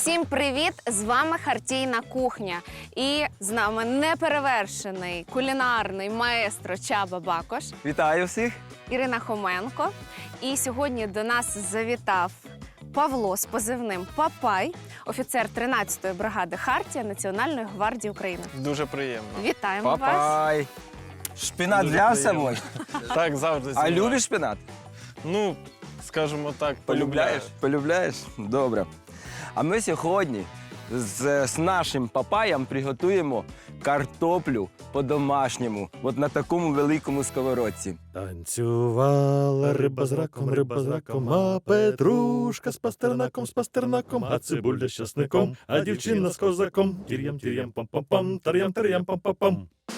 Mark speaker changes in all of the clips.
Speaker 1: Усім привіт! З вами Хартійна кухня. І з нами неперевершений кулінарний маестро Чаба Бакош,
Speaker 2: Вітаю всіх!
Speaker 1: Ірина Хоменко. І сьогодні до нас завітав Павло з позивним Папай, офіцер 13-ї бригади Хартія Національної гвардії України.
Speaker 3: Дуже приємно.
Speaker 1: Вітаємо вас!
Speaker 2: Папай! Шпинат
Speaker 3: Дуже
Speaker 2: взявся
Speaker 3: приємно.
Speaker 2: мой?
Speaker 3: Так, завжди.
Speaker 2: А
Speaker 3: знімаю.
Speaker 2: любиш шпинат?
Speaker 3: Ну, скажімо так, полюбляєш.
Speaker 2: Полюбляєш? Добре. А ми сьогодні з нашим папаєм приготуємо картоплю по-домашньому, от на такому великому сковородці.
Speaker 4: Танцювала риба з раком, а петрушка з пастернаком, а цибуля з часником, а дівчина з козаком. Тір'ям пам-пам-пам, тар'ям пам-пам-пам.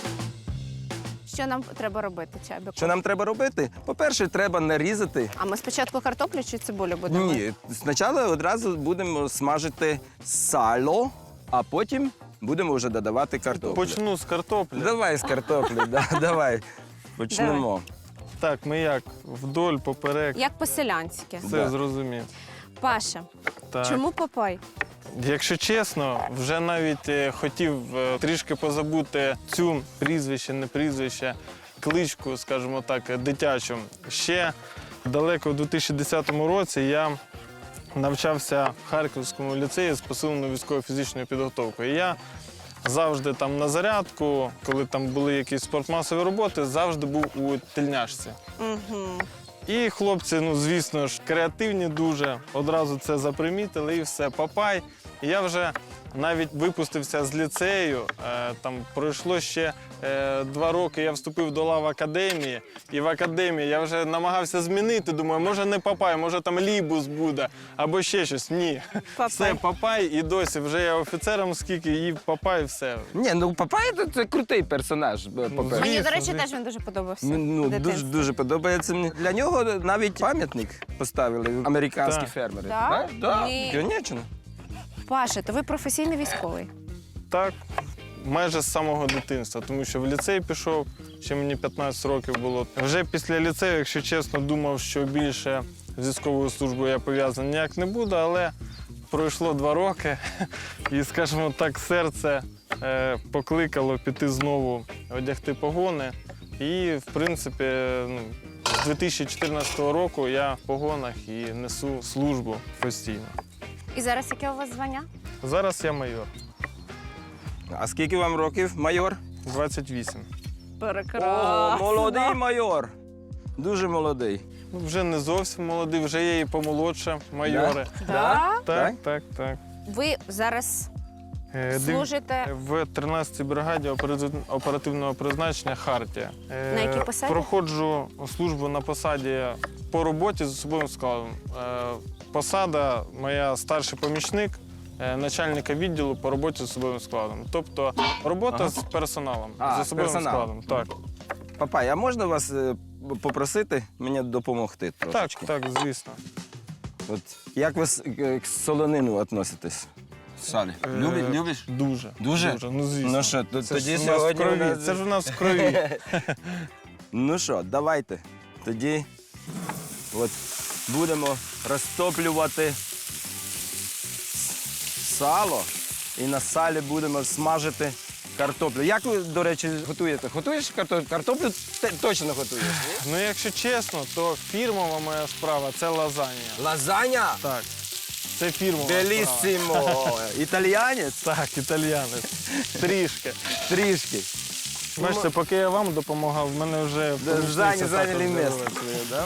Speaker 1: Що нам треба робити, Чабіку?
Speaker 2: Що нам треба робити? По-перше, треба нарізати.
Speaker 1: А ми спочатку картоплю чи цибулю будемо?
Speaker 2: Ні, спочатку одразу будемо смажити сало, а потім будемо вже додавати картоплю.
Speaker 3: Почну з картоплі.
Speaker 2: Давай з картоплі, давай. Почнемо.
Speaker 3: Так, ми як? Вдоль, поперек.
Speaker 1: Як по-селянськи.
Speaker 3: Все
Speaker 2: Да.
Speaker 3: зрозумів.
Speaker 1: Паша,
Speaker 3: Так.
Speaker 1: чому Папай?
Speaker 3: Якщо чесно, вже навіть хотів трішки позабути цю прізвище, не прізвище, кличку, скажімо так, дитячу. Ще далеко в 2010 році я навчався в Харківському ліцеї з посиленою військово-фізичною підготовкою. І я завжди там на зарядку, коли там були якісь спортмасові роботи, завжди був у тельняшці.
Speaker 1: Угу.
Speaker 3: І хлопці, ну звісно ж, креативні дуже, одразу це запримітили і все, Папай. І я вже навіть випустився з ліцею, там пройшло ще 2 роки, я вступив до лав академії, і в академії я вже намагався змінити, думаю, може не Папай, може там Лібус буде, або ще щось. Ні,
Speaker 1: Папай.
Speaker 3: все Папай і досі, вже я офіцером скільки, і Папай, все.
Speaker 2: Ні, ну Папай це крутий персонаж, по-перше.
Speaker 1: Мені, до
Speaker 3: Звісно,
Speaker 1: речі,
Speaker 3: звісно.
Speaker 1: теж він дуже подобався.
Speaker 2: Ну,
Speaker 1: в
Speaker 2: дуже,
Speaker 1: дитинстві.
Speaker 2: дуже подобається мені. Для нього навіть пам'ятник поставили американські
Speaker 3: Так.
Speaker 2: фермери.
Speaker 1: Да?
Speaker 2: Так,
Speaker 1: Ні.
Speaker 2: звісно.
Speaker 1: Паша, то ви професійний військовий?
Speaker 3: Так, майже з самого дитинства, тому що в ліцей пішов, ще мені 15 років було. Вже після ліцею, якщо чесно, думав, що більше з військовою службою я пов'язаний ніяк не буду, але пройшло 2 роки і, скажімо так, серце покликало піти знову одягти погони. І, в принципі, з 2014 року я в погонах і несу службу постійно.
Speaker 1: І зараз яке у вас звання?
Speaker 3: Зараз я майор,
Speaker 2: А скільки вам років, майор?
Speaker 3: 28.
Speaker 2: О, молодий майор. Дуже молодий.
Speaker 3: Ну, вже не зовсім молодий, вже є і помолодше майори.
Speaker 1: Да?
Speaker 3: Так, так, так.
Speaker 1: Ви зараз
Speaker 3: Див-
Speaker 1: служите
Speaker 3: В 13-й бригаді оперативного призначення «Хартія».
Speaker 1: На якій посаді?
Speaker 3: Проходжу службу на посаді по роботі з особовим складом. Посада моя старший помічник начальника відділу по роботі з особовим складом. Тобто робота з персоналом,
Speaker 2: А,
Speaker 3: з особовим
Speaker 2: персоналом.
Speaker 3: складом. Так.
Speaker 2: Папай, а можна вас попросити мені допомогти
Speaker 3: Так,
Speaker 2: трошечки?
Speaker 3: так, звісно.
Speaker 2: От, як ви к солонину відноситесь? Салі. Любиш?
Speaker 3: Дуже.
Speaker 2: Дуже?
Speaker 3: Ну, звісно.
Speaker 2: Ну що,
Speaker 3: Це
Speaker 2: тоді
Speaker 3: ж у нас в
Speaker 2: сьогодні у
Speaker 3: крові.
Speaker 2: нас-
Speaker 3: Це ж у нас в крові.
Speaker 2: Ну що, давайте. Тоді от будемо розтоплювати сало і на салі будемо смажити картоплю. Як ви, до речі, готуєте? Готуєш картоплю? Картоплю точно готуєш? ні?
Speaker 3: Ну, якщо чесно, то фірмова моя справа це лазанья.
Speaker 2: Лазаня?
Speaker 3: Так. Це фірмова справа.
Speaker 2: Беліссимо! Італіянець?
Speaker 3: Так, італіянець. Трішки.
Speaker 2: Трішки.
Speaker 3: Бачите, поки я вам допомагав, в мене вже помічниця
Speaker 2: Зайняли
Speaker 3: також
Speaker 2: місце
Speaker 3: з'явилася.
Speaker 2: своє, да?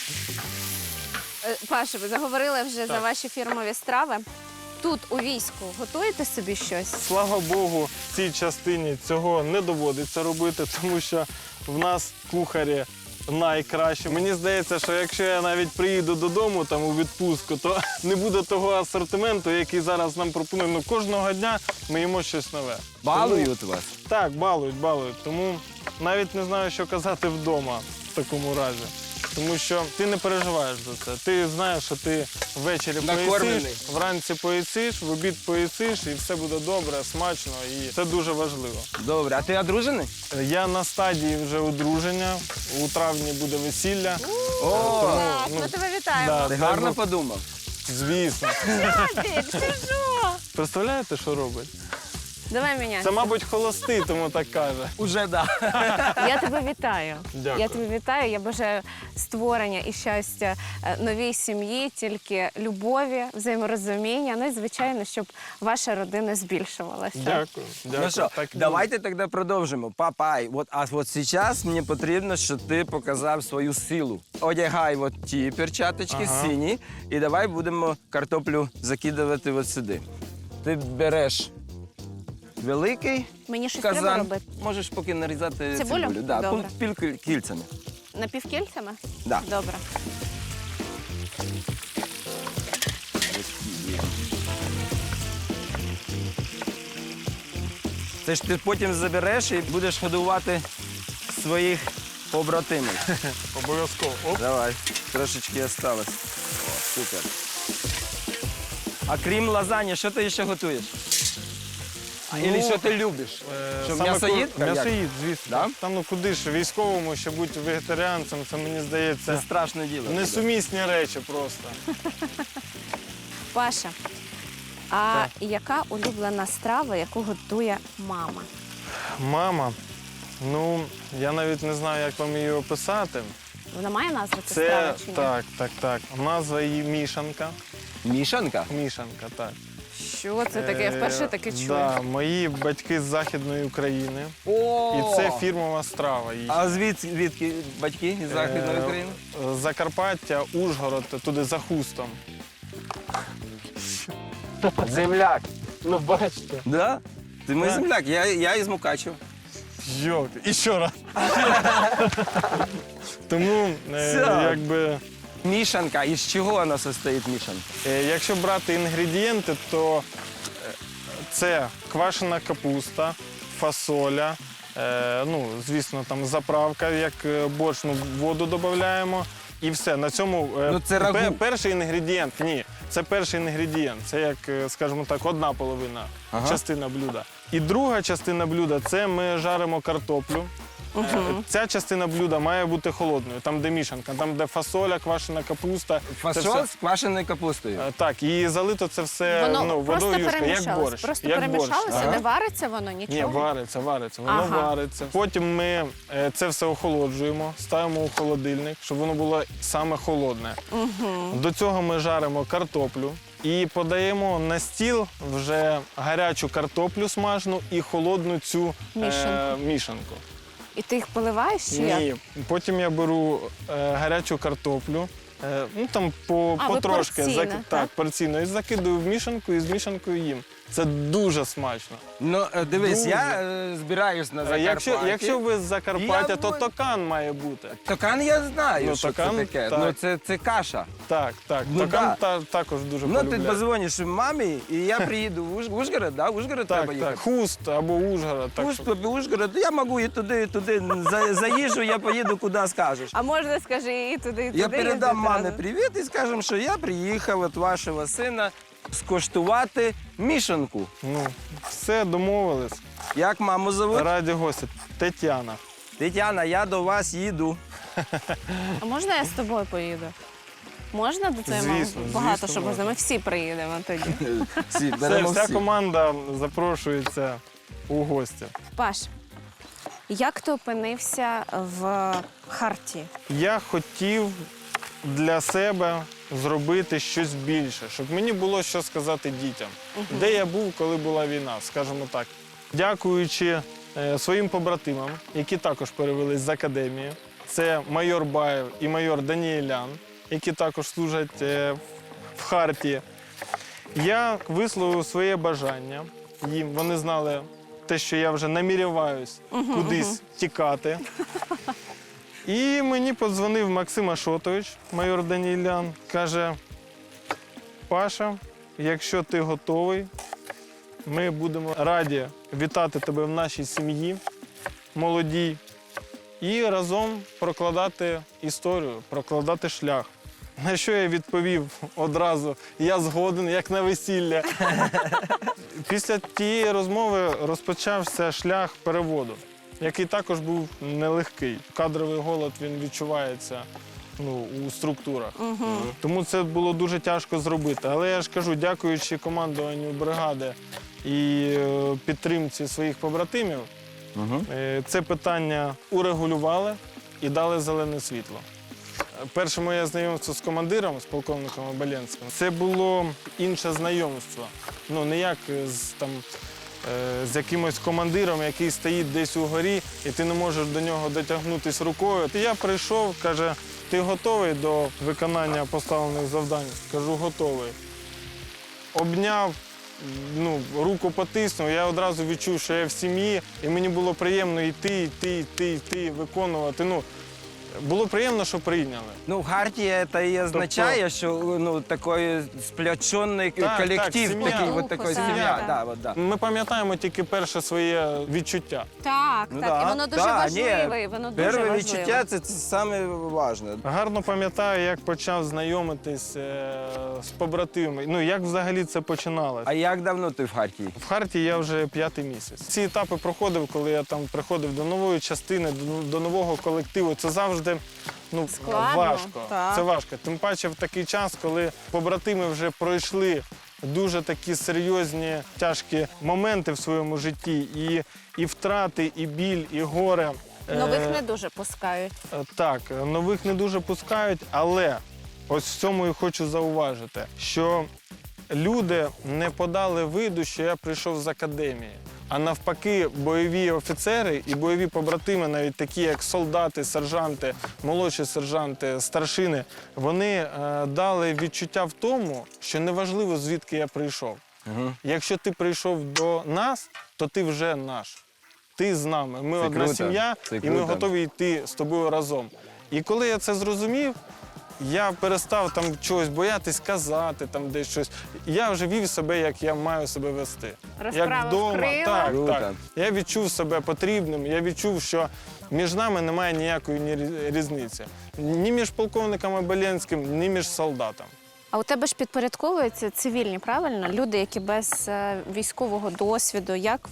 Speaker 1: Паша, ви заговорили вже за
Speaker 3: Так.
Speaker 1: ваші фірмові страви. Тут у війську готуєте собі щось?
Speaker 3: Слава Богу, в цій частині цього не доводиться робити, тому що в нас кухарі найкращі. Мені здається, що якщо я навіть приїду додому там у відпустку, то не буде того асортименту, який зараз нам пропонують. Ну, кожного дня ми їмо щось нове.
Speaker 2: Балують вас?
Speaker 3: Так, балують. Тому навіть не знаю, що казати вдома в такому разі. Тому що ти не переживаєш за це. Ти знаєш, що ти ввечері
Speaker 2: Накормлений.
Speaker 3: поїсиш, вранці поїсиш, в обід поїсиш, і все буде добре, смачно, і це дуже важливо.
Speaker 2: Добре, а ти одружений?
Speaker 3: Я на стадії вже одруження, у травні буде весілля.
Speaker 2: О,
Speaker 1: Так, ми тебе вітаємо.
Speaker 3: да,
Speaker 2: ти
Speaker 3: дай
Speaker 2: гарно
Speaker 3: Бог.
Speaker 2: подумав.
Speaker 3: Звісно.
Speaker 1: Ти що?
Speaker 3: Представляєте, що робить?
Speaker 1: Давай міняй.
Speaker 3: Це, мабуть, холостий, тому так каже.
Speaker 2: Уже да.
Speaker 1: Я тебе вітаю.
Speaker 3: Дякую.
Speaker 1: Я тебе вітаю. Я бажаю створення і щастя новій сім'ї, тільки любові, взаєморозуміння. Ну і, звичайно, щоб ваша родина збільшувалася.
Speaker 3: Дякую. Дякую.
Speaker 2: Ну що,
Speaker 3: Так і
Speaker 2: давайте тоді продовжимо. Папай, а от зараз мені потрібно, щоб ти показав свою силу. Одягай от ті перчаточки
Speaker 3: Ага.
Speaker 2: сині, і давай будемо картоплю закидувати от сюди. Ти береш великий
Speaker 1: Мені щось треба
Speaker 2: казан,
Speaker 1: робити.
Speaker 2: можеш поки нарізати
Speaker 1: Цибулю?
Speaker 2: цибулю. Да,
Speaker 1: Добре.
Speaker 2: кільцями.
Speaker 1: Напівкільцями?
Speaker 2: Да.
Speaker 1: Добре.
Speaker 2: Це ж ти потім забереш і будеш годувати своїх побратимів.
Speaker 3: Обов'язково. Оп.
Speaker 2: Давай, трошечки осталось. О, супер. А крім лазані, що ти ще готуєш? Або що ти любиш? Що,
Speaker 3: Саме
Speaker 2: м'ясоїд?
Speaker 3: М'ясоїд, звісно.
Speaker 2: Да?
Speaker 3: Там ну куди ж військовому, ще бути вегетаріанцем, це мені
Speaker 2: Це
Speaker 3: здається
Speaker 2: страшне діло.
Speaker 3: несумісні речі просто.
Speaker 1: Паша, а яка улюблена страва, яку готує мама?
Speaker 3: Мама, ну я навіть не знаю, як вам її описати.
Speaker 1: Вона має назву ця
Speaker 3: Це
Speaker 1: страва чи ні?
Speaker 3: так. Назва її мішанка.
Speaker 2: Мішанка?
Speaker 3: Мішанка, так.
Speaker 1: Що це таке? Я вперше таке чую.
Speaker 3: Да, мої батьки з Західної України.
Speaker 2: О!
Speaker 3: І це фірмова страва. її.
Speaker 2: А звідки батьки із Західної України?
Speaker 3: Закарпаття, Ужгород, туди за хустом.
Speaker 2: Земляк.
Speaker 3: Ну, бачите.
Speaker 2: Да? Ти мій
Speaker 3: Так.
Speaker 2: земляк, я із Мукачева.
Speaker 3: Йолки, і ще раз. Тому,
Speaker 2: Все.
Speaker 3: якби,
Speaker 2: Мішанка. Із чого вона состоїть мішанка?
Speaker 3: якщо брати інгредієнти, то це квашена капуста, фасоля, ну, звісно, там заправка, як борщ, ну, воду додаємо. І все. На цьому
Speaker 2: Ну, це рагу.
Speaker 3: перший інгредієнт. Ні, це перший інгредієнт. Це як, скажімо так, одна половина частина блюда. І друга частина блюда це ми жаримо картоплю. Ця частина блюда має бути холодною, там де мішанка, там де фасоля, квашена капуста. Це
Speaker 2: Фасоль
Speaker 3: все.
Speaker 2: з квашеною капустою.
Speaker 3: Так, і залито це все
Speaker 1: Воно просто
Speaker 3: водою юшка, як
Speaker 1: перемішалось.
Speaker 3: борщ.
Speaker 1: Просто
Speaker 3: як
Speaker 1: перемішалося,
Speaker 3: борщ.
Speaker 1: не вариться воно, нічого.
Speaker 3: Ні, вариться, воно
Speaker 1: Ага.
Speaker 3: вариться. Потім ми це все охолоджуємо, ставимо у холодильник, щоб воно було саме холодне. До цього ми жаримо картоплю і подаємо на стіл вже гарячу картоплю смажену і холодну цю мішанку.
Speaker 1: І ти їх поливаєш чи як?
Speaker 3: Ні, потім я беру гарячу картоплю, ну там
Speaker 1: ви
Speaker 3: потрошки,
Speaker 1: порційно, так?
Speaker 3: порційно, і закидую в мішанку, і з мішанкою їм. Це дуже смачно.
Speaker 2: Ну, дивись,
Speaker 3: Дуже.
Speaker 2: я збираюсь на Закарпатті.
Speaker 3: Якщо ви з Закарпаття,
Speaker 2: Я
Speaker 3: то
Speaker 2: б-
Speaker 3: токан має бути.
Speaker 2: Токан я знаю,
Speaker 3: Ну,
Speaker 2: що
Speaker 3: токан,
Speaker 2: це таке.
Speaker 3: так.
Speaker 2: Ну, це каша.
Speaker 3: Так.
Speaker 2: Ну,
Speaker 3: Токан
Speaker 2: да.
Speaker 3: також дуже
Speaker 2: Ну, ти
Speaker 3: полюбляю.
Speaker 2: позвониш мамі, і я приїду в Ужгород, да? В Ужгород треба
Speaker 3: Так,
Speaker 2: їхати.
Speaker 3: так. Хуст або Ужгород. Так, що-
Speaker 2: Ужгород, я можу і туди, і туди. За їжу я поїду, куди скажеш.
Speaker 1: А можна, скажи, і туди, і туди.
Speaker 2: Я передам
Speaker 1: їздити
Speaker 2: мамі
Speaker 1: разом?
Speaker 2: привіт і скажемо, що я приїхав від вашого сина скуштувати мішанку.
Speaker 3: Ну, все, домовились.
Speaker 2: Як маму зовуть?
Speaker 3: Раді гості. Тетяна.
Speaker 2: Тетяна, я до вас їду.
Speaker 1: А можна я з тобою поїду? Можна до твоєї мами?
Speaker 3: Звісно,
Speaker 1: Багато
Speaker 3: звісно,
Speaker 1: що можна.
Speaker 3: можна.
Speaker 1: Ми всі приїдемо тоді.
Speaker 2: Всі,
Speaker 3: Все,
Speaker 2: беремо
Speaker 3: вся
Speaker 2: всі.
Speaker 3: команда запрошується у гості.
Speaker 1: Паш, як ти опинився в Харті?
Speaker 3: Я хотів для себе зробити щось більше, щоб мені було що сказати дітям. Де я був, коли була війна, скажімо так. Дякуючи своїм побратимам, які також перевелись з академії. Це майор Баєв і майор Даніелян, які також служать в Харті. Я висловив своє бажання їм. Вони знали те, що я вже наміряваюсь кудись тікати. І мені подзвонив Максим Ашотович, майор Даніелян, каже: Паша, якщо ти готовий, ми будемо раді вітати тебе в нашій сім'ї, молодій, і разом прокладати історію, прокладати шлях. На що я відповів одразу: я згоден, як на весілля. Після тієї розмови розпочався шлях переводу, який також був нелегкий. Кадровий голод, він відчувається у структурах. Тому це було дуже тяжко зробити. Але я ж кажу, дякуючи командуванню бригади і підтримці своїх побратимів, це питання урегулювали і дали зелене світло. Перше моє знайомство з командиром, з полковником Оболенським, це було інше знайомство. Ну, не як з якимось командиром, який стоїть десь угорі, і ти не можеш до нього дотягнутися рукою. Я прийшов, каже, ти готовий до виконання поставлених завдань? Кажу, готовий. Обняв, руку потиснув, я одразу відчув, що я в сім'ї, і мені було приємно йти, виконувати. Було приємно, що прийняли.
Speaker 2: Ну, хартія це і означає, що такий сплочений колектив,
Speaker 3: сім'я.
Speaker 2: такий,
Speaker 1: Духу,
Speaker 2: такий
Speaker 1: так,
Speaker 2: сім'я.
Speaker 1: так.
Speaker 2: Да.
Speaker 3: Ми пам'ятаємо тільки перше своє відчуття.
Speaker 1: Так,
Speaker 2: Ну,
Speaker 1: так.
Speaker 2: да.
Speaker 1: І воно дуже
Speaker 2: Да,
Speaker 1: важливе.
Speaker 2: ні,
Speaker 1: Воно дуже
Speaker 2: Перше
Speaker 1: важливе.
Speaker 2: відчуття – це саме важливе.
Speaker 3: Гарно пам'ятаю, як почав знайомитись з побратимами. Як взагалі це починалося.
Speaker 2: А як давно ти в Хартії?
Speaker 3: В Хартії я вже 5-й місяць. Ці етапи проходив, коли я там приходив до нової частини, до нового колективу. Це завжди
Speaker 1: Складно,
Speaker 3: важко.
Speaker 1: так.
Speaker 3: Це важко. Тим паче в такий час, коли побратими вже пройшли дуже такі серйозні, тяжкі моменти в своєму житті. І втрати, і біль, і горе.
Speaker 1: Нових не дуже пускають.
Speaker 3: Так, нових не дуже пускають, але ось в цьому і хочу зауважити, що люди не подали виду, що я прийшов з академії. А навпаки, бойові офіцери і бойові побратими, навіть такі, як солдати, сержанти, молодші сержанти, старшини, вони дали відчуття в тому, що неважливо, звідки я прийшов. Якщо ти прийшов до нас, то ти вже наш. Ти з нами. Ми
Speaker 2: Це
Speaker 3: одна
Speaker 2: круто.
Speaker 3: сім'я,
Speaker 2: Це
Speaker 3: і ми
Speaker 2: круто.
Speaker 3: готові йти з тобою разом. І коли я це зрозумів, я перестав там чогось боятись казати, там десь щось. Я вже вів себе, як я маю себе вести.
Speaker 1: Розправив крила.
Speaker 3: Так,
Speaker 2: Круто.
Speaker 3: так. Я відчув себе потрібним, я відчув, що між нами немає ніякої різниці. Ні між полковником Оболенським, ні між солдатом.
Speaker 1: А у тебе ж підпорядковуються цивільні, правильно? Люди, які без військового досвіду.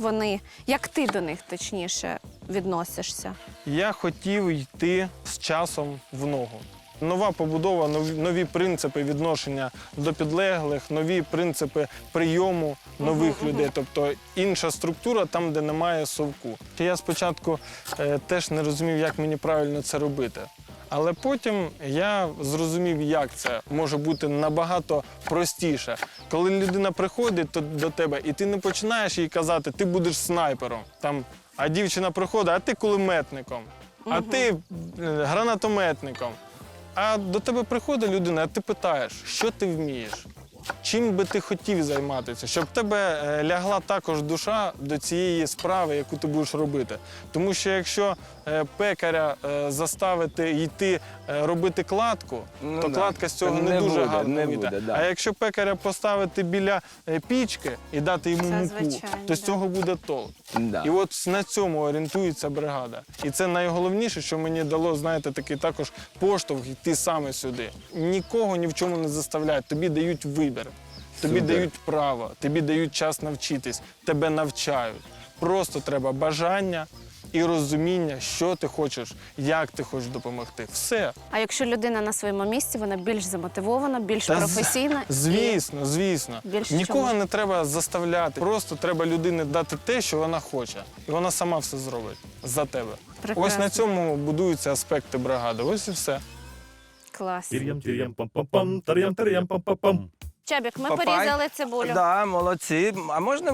Speaker 1: Як ти до них, точніше, відносишся?
Speaker 3: Я хотів йти з часом в ногу. Нова побудова, нові принципи відношення до підлеглих, нові принципи прийому нових людей. Тобто інша структура там, де немає совку. Я спочатку теж не розумів, як мені правильно це робити. Але потім я зрозумів, як це може бути набагато простіше. Коли людина приходить до тебе, і ти не починаєш їй казати, ти будеш снайпером. А дівчина приходить, а ти кулеметником, а ти гранатометником. А до тебе приходить людина, а ти питаєш, що ти вмієш? Чим би ти хотів займатися, щоб в тебе лягла також душа до цієї справи, яку ти будеш робити. Тому що якщо пекаря заставити йти робити кладку, то кладка з цього не дуже гарно вийде. А якщо пекаря поставити біля пічки і дати йому муку, то з цього буде толк.
Speaker 2: Да.
Speaker 3: І от на цьому орієнтується бригада. І це найголовніше, що мені дало, знаєте, такий також поштовх йти саме сюди. Нікого ні в чому не заставляють, тобі дають вибір. Тобі
Speaker 2: Супер.
Speaker 3: дають право, тобі дають час навчитись, тебе навчають. Просто треба бажання і розуміння, що ти хочеш, як ти хочеш допомогти. Все.
Speaker 1: А якщо людина на своєму місці, вона більш замотивована, більш професійна?
Speaker 3: Звісно, звісно.
Speaker 1: Більше
Speaker 3: Нікого
Speaker 1: чому?
Speaker 3: не треба заставляти. Просто треба людині дати те, що вона хоче. І вона сама все зробить за тебе.
Speaker 1: Прекрасно.
Speaker 3: Ось на цьому будуються аспекти бригади. Ось і все.
Speaker 1: Клас.
Speaker 4: Тир'ям, пам-пам-пам, тар'ям, пам-пам-пам.
Speaker 1: Чабік, ми
Speaker 2: Папай.
Speaker 1: порізали цибулю.
Speaker 2: Да, молодці. А можна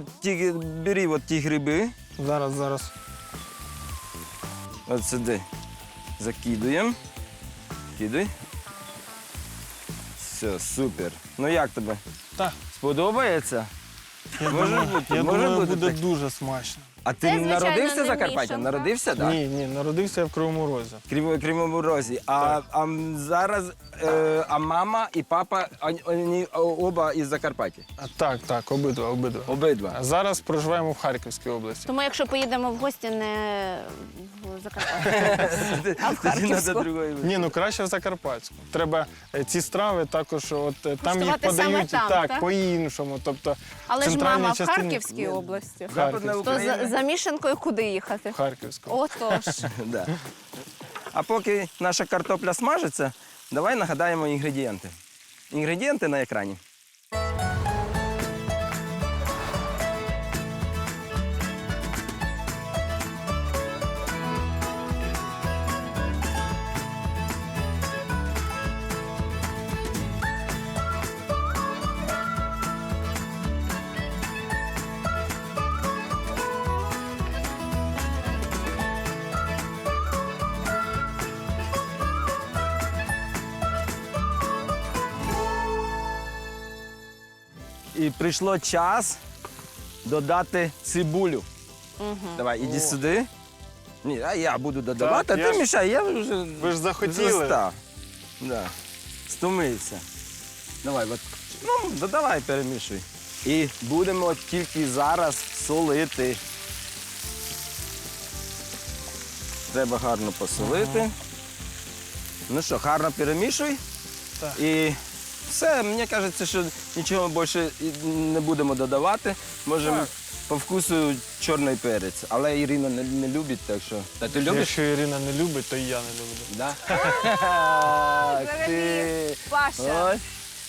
Speaker 2: бери ті гриби,
Speaker 3: Зараз.
Speaker 2: от сюди закидуємо. Кидай. Все, супер. Ну як тобі?
Speaker 3: Так.
Speaker 2: Сподобається? Може бути,
Speaker 3: Я
Speaker 2: може
Speaker 3: думаю,
Speaker 2: бути
Speaker 3: буде
Speaker 2: так.
Speaker 3: дуже смачно.
Speaker 2: А ти
Speaker 1: Це, звичайно,
Speaker 2: народився
Speaker 1: не
Speaker 2: в Закарпатті?
Speaker 1: мішанка.
Speaker 2: Народився, так?
Speaker 3: Ні, народився я в Кривому Розі.
Speaker 2: Кривому Розі. А зараз мама і папа, вони оба із Закарпаття?
Speaker 3: Так, обидва.
Speaker 2: Обидва.
Speaker 3: А зараз проживаємо в Харківській області.
Speaker 1: Тому якщо поїдемо в гості не в Закарпаття, а в
Speaker 2: Тоді треба
Speaker 1: Харківську.
Speaker 2: другої.
Speaker 3: Ні, краще в Закарпатську. Треба ці страви також, там їх
Speaker 1: Куштувати саме
Speaker 3: подають
Speaker 1: там, так?
Speaker 3: по-іншому. Тобто,
Speaker 1: Але ж
Speaker 3: центральній
Speaker 1: мама в
Speaker 3: частині-
Speaker 1: Харківській області.
Speaker 3: В
Speaker 2: Западна
Speaker 3: Харківській.
Speaker 1: То
Speaker 2: Україна.
Speaker 1: за мішанкою куди їхати?
Speaker 3: В Харківську.
Speaker 1: Отож.
Speaker 2: Да. А поки наша картопля смажиться, давай нагадаємо інгредієнти. Інгредієнти на екрані. І прийшло час додати цибулю. Давай, іди сюди. Ні, а я буду додавати,
Speaker 3: Так,
Speaker 2: а
Speaker 3: я
Speaker 2: ти
Speaker 3: ж-
Speaker 2: мішай, я вже
Speaker 3: Ви ж захотіли.
Speaker 2: застав. Да. Стомився. Давай, от, ну, додавай, перемішуй. І будемо тільки зараз солити. Треба гарно посолити. Ну що, гарно перемішуй.
Speaker 3: Так.
Speaker 2: І все, мені кажеться, що нічого більше не будемо додавати. Можемо
Speaker 3: Так.
Speaker 2: по вкусу чорний перець. Але Ірина не любить, так що. Та ти любиш?
Speaker 3: Якщо Ірина не любить, то і я не люблю.
Speaker 2: Да?
Speaker 1: Взагалі, Паша.
Speaker 2: Ось.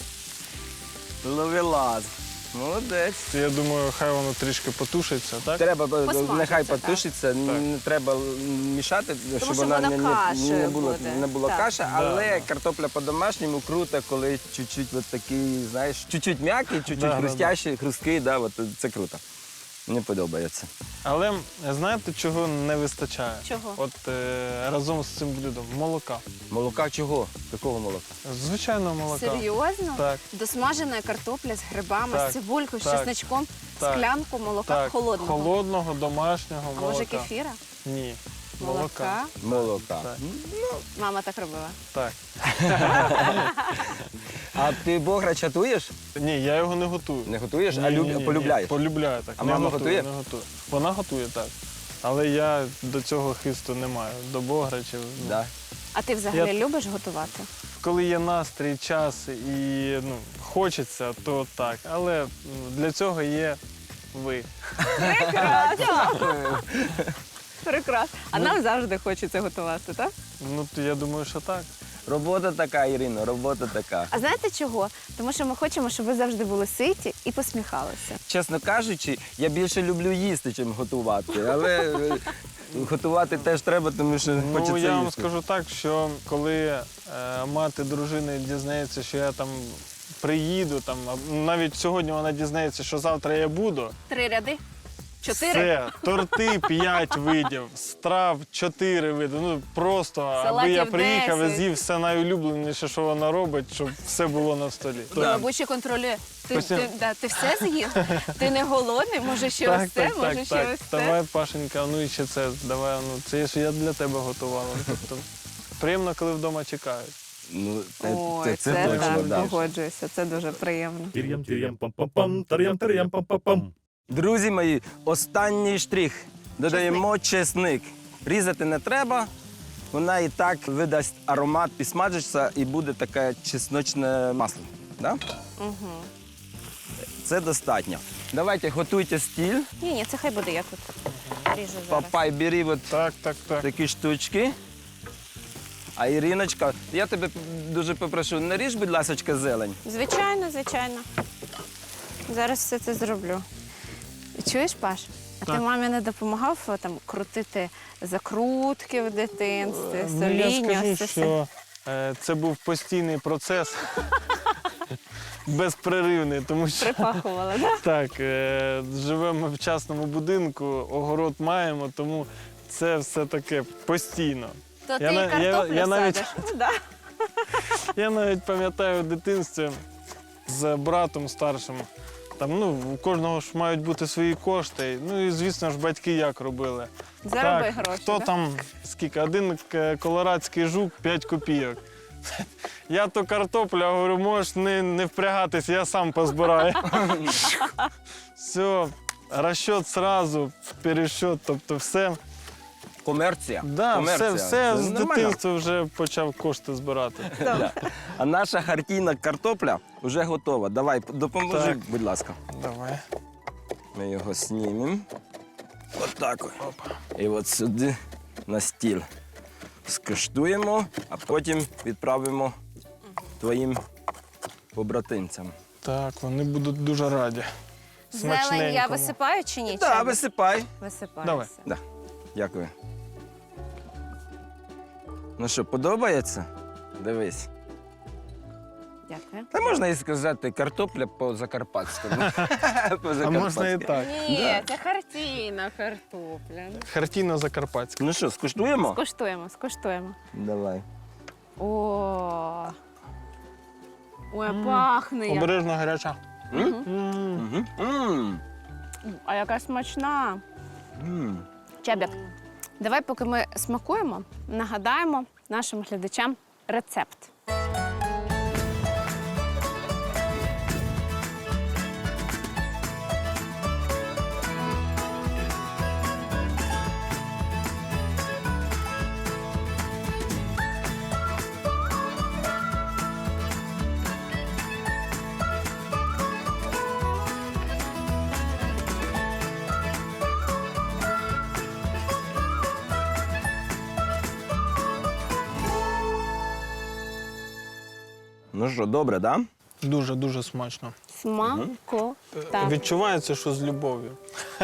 Speaker 2: Ловелас. Молодець.
Speaker 3: Я думаю, хай воно трішки потушиться, так?
Speaker 2: Треба,
Speaker 1: Посмажиться,
Speaker 2: нехай
Speaker 1: так.
Speaker 2: потушиться, не треба мішати, щоб
Speaker 1: що
Speaker 2: вона
Speaker 1: вона кашею
Speaker 2: була,
Speaker 1: буде.
Speaker 2: не була
Speaker 1: Так.
Speaker 2: каша,
Speaker 3: Да,
Speaker 2: але
Speaker 3: да.
Speaker 2: картопля по-домашньому круто, коли чуть-чуть от такий, знаєш, чуть-чуть м'який, чуть-чуть
Speaker 3: Да, да,
Speaker 2: хрустящий, хрусткий, да, от це круто. Мені подобається.
Speaker 3: Але знаєте, чого не вистачає?
Speaker 1: Чого?
Speaker 3: От разом з цим блюдом молока.
Speaker 2: Молока чого? Якого молока?
Speaker 3: Звичайного молока.
Speaker 1: Серйозно?
Speaker 3: Так.
Speaker 1: Досмажена картопля з грибами,
Speaker 3: Так,
Speaker 1: з цибулькою, з
Speaker 3: так,
Speaker 1: чесничком,
Speaker 3: так,
Speaker 1: склянку молока
Speaker 3: Так,
Speaker 1: холодного.
Speaker 3: холодного, домашнього
Speaker 1: А
Speaker 3: молока.
Speaker 1: може кефіра?
Speaker 3: Ні.
Speaker 1: Молока?
Speaker 2: Молока.
Speaker 3: Так.
Speaker 1: Мама так робила.
Speaker 3: Так.
Speaker 2: А ти бограч готуєш?
Speaker 3: Ні, я його не готую.
Speaker 2: Не готуєш,
Speaker 3: Ні,
Speaker 2: а
Speaker 3: ні, ні,
Speaker 2: полюбляєш?
Speaker 3: Полюбляю так.
Speaker 2: А
Speaker 3: Не
Speaker 2: мама
Speaker 3: готую,
Speaker 2: готує?
Speaker 3: Не готую. Вона готує, так. Але я до цього хисту не маю, до бограчів. ну.
Speaker 2: Да.
Speaker 1: А ти взагалі
Speaker 3: Я-
Speaker 1: любиш готувати?
Speaker 3: Коли є настрій, час і хочеться, то так. Але для цього є ви.
Speaker 1: Прекрасно. А нам завжди хочеться готувати, так?
Speaker 3: Ну, то я думаю, що так.
Speaker 2: Робота така, Ірино, робота така.
Speaker 1: А знаєте чого? Тому що ми хочемо, щоб ви завжди були ситі і посміхалися.
Speaker 2: Чесно кажучи, я більше люблю їсти, чим готувати. Але готувати теж треба, тому що хочеться
Speaker 3: Ну, я вам
Speaker 2: їсти.
Speaker 3: скажу так, що коли мати дружини дізнається, що я там приїду, там, а навіть сьогодні вона дізнається, що завтра я буду.
Speaker 1: 3 ряди? 4?
Speaker 3: Все, торти 5 видів, страв 4 види. Ну просто, аби
Speaker 1: Салатів
Speaker 3: я приїхав і
Speaker 1: 10.
Speaker 3: з'їв все найулюбленіше, що вона робить, щоб все було на столі.
Speaker 1: І, мабуть, ще контролює. Ти все з'їв? Ти не голодний? Може ще ось це? Може ще ось це?
Speaker 3: Давай, Пашенька, ну і ще це, давай, ну це ж я для тебе готувала. Тобто, приємно, коли вдома чекають.
Speaker 2: Ну,
Speaker 1: Ой,
Speaker 2: це
Speaker 1: це
Speaker 2: точно,
Speaker 1: так,
Speaker 2: да.
Speaker 1: погоджуюся. Це дуже приємно.
Speaker 4: Тир'ям, тир'ям, пам-пам-пам, тар'ям, пам-пам-пам.
Speaker 2: Друзі мої, останній штрих. Додаємо чесник. Різати не треба. Вона і так видасть аромат, підсмажиться і буде таке чесночне масло. Да?
Speaker 1: Угу.
Speaker 2: Це достатньо. Давайте готуйте стіль.
Speaker 1: Ні, це хай буде я тут. Ріжу зараз.
Speaker 2: Папай, бери от
Speaker 3: Так.
Speaker 2: такі штучки. А Іриночка, я тебе дуже попрошу, наріж, будь ласка, зелень.
Speaker 1: Звичайно, звичайно. Зараз все це зроблю. Чуєш, Паш? А ти
Speaker 3: Так.
Speaker 1: мамі не допомагав там крутити закрутки в дитинстві,
Speaker 3: Ну, я
Speaker 1: соління?
Speaker 3: скажу,
Speaker 1: це все?
Speaker 3: що це був постійний процес, безперервний, тому що
Speaker 1: Припахувала, так?
Speaker 3: так, живемо в частному будинку, огород маємо, тому це все таке постійно.
Speaker 1: То ти
Speaker 3: Я
Speaker 1: і
Speaker 3: на- я-
Speaker 1: картоплю
Speaker 3: я навіть-
Speaker 1: садиш? Ну, да.
Speaker 3: Я навіть пам'ятаю в дитинстві з братом старшим. Там, ну, у кожного ж мають бути свої кошти. Ну і звісно ж батьки як робили.
Speaker 1: Зароби
Speaker 3: Так,
Speaker 1: гроші.
Speaker 3: хто
Speaker 1: да?
Speaker 3: там, скільки, один колорадський жук 5 копійок. Я то картопля, говорю, можеш не впрягатись, я сам позбираю. Все, розчет сразу, пересчет, тобто все.
Speaker 2: Комерція.
Speaker 3: Да,
Speaker 2: Комерція.
Speaker 3: все
Speaker 2: Це
Speaker 3: з
Speaker 2: нормально.
Speaker 3: дитинства вже почав кошти збирати.
Speaker 2: Да. А наша хартійна картопля вже готова. Давай, допоможи,
Speaker 3: Так.
Speaker 2: будь ласка.
Speaker 3: Давай.
Speaker 2: Ми його знімемо. От так. І от сюди на стіл. скуштуємо, а потім відправимо твоїм побратимцям.
Speaker 3: Так, вони будуть дуже раді.
Speaker 1: Зелень я
Speaker 3: Смачненькому.
Speaker 1: висипаю чи ні?
Speaker 2: Так,
Speaker 1: Чабік?
Speaker 2: висипай.
Speaker 1: Висипаю.
Speaker 3: Давай.
Speaker 1: все.
Speaker 2: Да. Дякую. Ну що, подобається? Дивись.
Speaker 1: Дякую.
Speaker 2: Та можна і сказати картопля по-закарпатському.
Speaker 3: А можна і так.
Speaker 1: Ні, це хартійна картопля.
Speaker 3: Хартійно-закарпатська.
Speaker 2: Ну що, скуштуємо?
Speaker 1: Скуштуємо, скуштуємо.
Speaker 2: Давай.
Speaker 1: О. Ой, пахне. як.
Speaker 3: Обережно гаряча.
Speaker 2: Мгм. М.
Speaker 1: А яка смачна.
Speaker 2: М.
Speaker 1: Чабік, давай, поки ми смакуємо, нагадаємо нашим глядачам рецепт.
Speaker 2: Ну що, добре, так? Да?
Speaker 3: Дуже-дуже смачно.
Speaker 1: Смакота.
Speaker 3: Відчувається, що з любов'ю.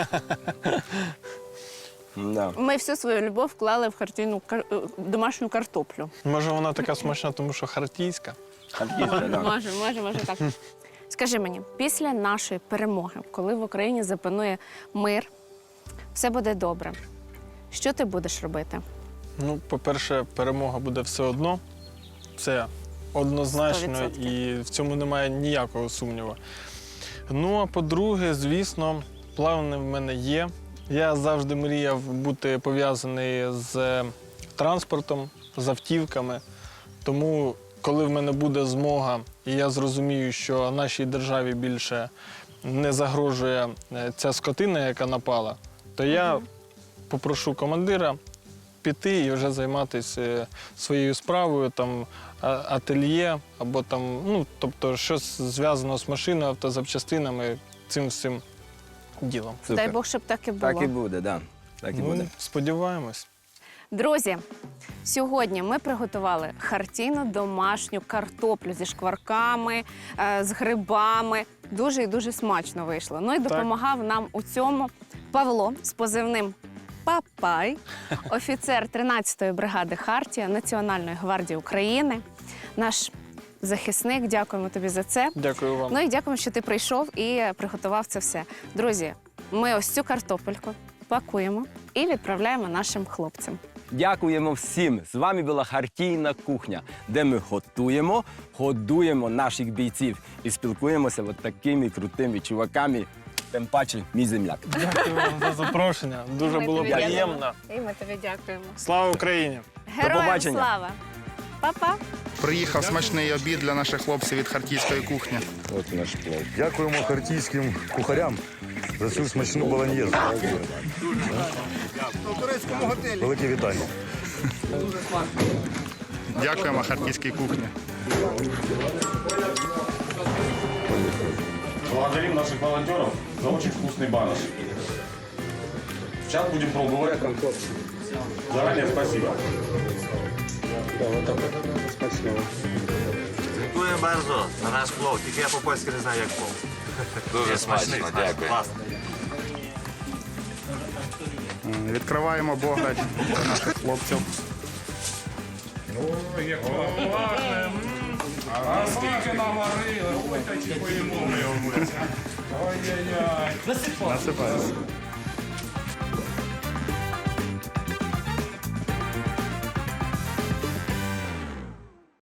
Speaker 2: Да.
Speaker 1: Ми всю свою любов вклали в хартійну домашню картоплю.
Speaker 3: Може, вона така смачна, тому що хартійська.
Speaker 2: Харківська, да.
Speaker 1: Може так. Скажи мені, після нашої перемоги, коли в Україні запанує мир, все буде добре. Що ти будеш робити?
Speaker 3: Ну, по-перше, перемога буде все одно. Це однозначно
Speaker 1: 100%.
Speaker 3: і в цьому немає ніякого сумніву. Ну, а по-друге, звісно, плани в мене є. Я завжди мріяв бути пов'язаний з транспортом, з автівками. Тому, коли в мене буде змога, і я зрозумію, що нашій державі більше не загрожує ця скотина, яка напала, то я попрошу командира піти і вже займатися своєю справою, там, ательє, або там, ну, тобто щось зв'язано з машиною, автозапчастинами, цим всім ділом.
Speaker 2: Супер.
Speaker 1: Дай Бог, щоб так і було.
Speaker 2: Так і буде, да. Так і буде.
Speaker 3: Ну, сподіваємось.
Speaker 1: Друзі, сьогодні ми приготували хартійну домашню картоплю зі шкварками, з грибами. Дуже і дуже смачно вийшло. Ну і допомагав нам у цьому Павло з позивним Папай, офіцер 13-ї бригади Хартія Національної гвардії України, наш захисник. Дякуємо тобі за це.
Speaker 3: Дякую вам.
Speaker 1: Ну і дякуємо, що ти прийшов і приготував це все. Друзі, ми ось цю картопельку пакуємо і відправляємо нашим хлопцям.
Speaker 2: Дякуємо всім. З вами була Хартійна кухня, де ми готуємо, годуємо наших бійців і спілкуємося от такими крутими чуваками. Тим паче, мій земляк.
Speaker 3: Дякую вам за запрошення. Дуже
Speaker 1: Ми
Speaker 3: було
Speaker 1: тобі дякуємо.
Speaker 3: приємно.
Speaker 1: І ми тобі дякуємо.
Speaker 3: Слава Україні!
Speaker 1: Героям
Speaker 2: побачення.
Speaker 1: слава! Па-па!
Speaker 5: Приїхав смачний обід для наших хлопців від хартійської кухні.
Speaker 2: От наш плов.
Speaker 6: Дякуємо хартійським кухарям за цю смачну болоньєзу. Велике вітання.
Speaker 5: Дякуємо хартійській кухні.
Speaker 6: Благодарим наших волонтеров за очень вкусный баныш. Сейчас будем пробовать. Заранее спасибо.
Speaker 7: Dziękuję bardzo za nasz plov, tylko ja po polsku nie знаю, jak plov. Дуже смачно, дякую. Класно.
Speaker 5: Відкриваємо бограч для наших хлопців.
Speaker 6: А скільки наварили, ой, та чи поїмо ми його. Ой-ой-ой.
Speaker 5: Насипаємо.